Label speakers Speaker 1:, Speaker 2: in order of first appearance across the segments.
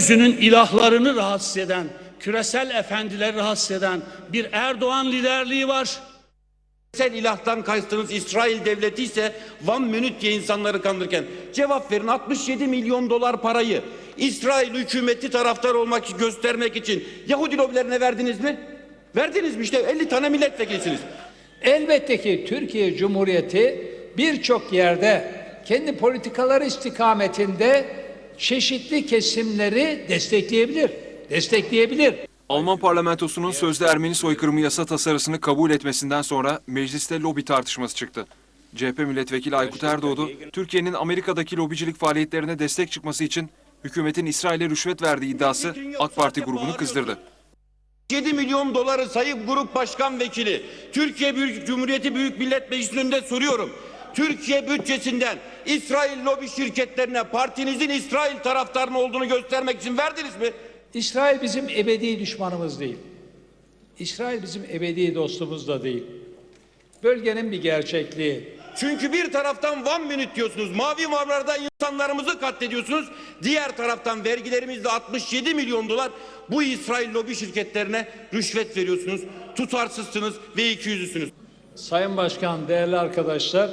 Speaker 1: Yeryüzünün ilahlarını rahatsız eden, küresel efendileri rahatsız eden bir Erdoğan liderliği var.
Speaker 2: Küresel ilahtan kastınız İsrail devleti ise one minute diye insanları kandırırken cevap verin. 67 milyon dolar parayı İsrail hükümeti taraftar olmak, göstermek için Yahudi lobilerine verdiniz mi? Verdiniz mi? İşte 50 tane milletvekilisiniz.
Speaker 3: Elbette ki Türkiye Cumhuriyeti birçok yerde kendi politikaları istikametinde çeşitli kesimleri destekleyebilir.
Speaker 4: Alman parlamentosunun sözde Ermeni soykırımı yasa tasarısını kabul etmesinden sonra mecliste lobi tartışması çıktı. CHP milletvekili Aykut Erdoğdu, Türkiye'nin Amerika'daki lobicilik faaliyetlerine destek çıkması için hükümetin İsrail'e rüşvet verdiği iddiası AK Parti grubunu kızdırdı.
Speaker 2: 7 milyon doları Sayın Grup Başkan Vekili, Türkiye Cumhuriyeti Büyük Millet Meclisi'nin önünde soruyorum. Türkiye bütçesinden İsrail lobi şirketlerine partinizin İsrail taraftarının olduğunu göstermek için verdiniz mi?
Speaker 3: İsrail bizim ebedi düşmanımız değil. İsrail bizim ebedi dostumuz da değil. Bölgenin bir gerçekliği.
Speaker 2: Çünkü bir taraftan one minute diyorsunuz, mavi mavlarda insanlarımızı katlediyorsunuz. Diğer taraftan vergilerimizle 67 milyon dolar bu İsrail lobi şirketlerine rüşvet veriyorsunuz. Tutarsızsınız ve ikiyüzlüsünüz.
Speaker 3: Sayın Başkan, değerli arkadaşlar,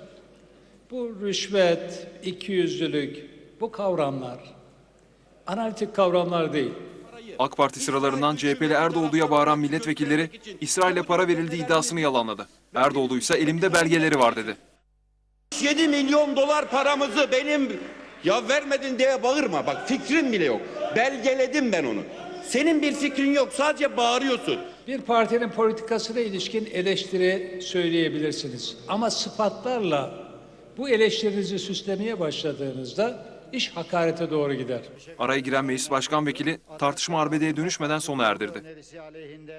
Speaker 3: bu rüşvet, ikiyüzlülük, bu kavramlar analitik kavramlar değil.
Speaker 4: AK Parti sıralarından CHP'li Erdoğdu'ya bağıran milletvekilleri İsrail'e para verildiği iddiasını yalanladı. Erdoğdu ise elimde belgeleri var dedi.
Speaker 2: 7 milyon dolar paramızı benim ya vermedin diye bağırma. Bak fikrim bile yok. Belgeledim ben onu. Senin bir fikrin yok. Sadece bağırıyorsun.
Speaker 3: Bir partinin politikasına ilişkin eleştiri söyleyebilirsiniz. Ama sıfatlarla bu eleştirinizi süslemeye başladığınızda iş hakarete doğru gider.
Speaker 4: Araya giren meclis başkan vekili tartışma arbedeye dönüşmeden sona erdirdi.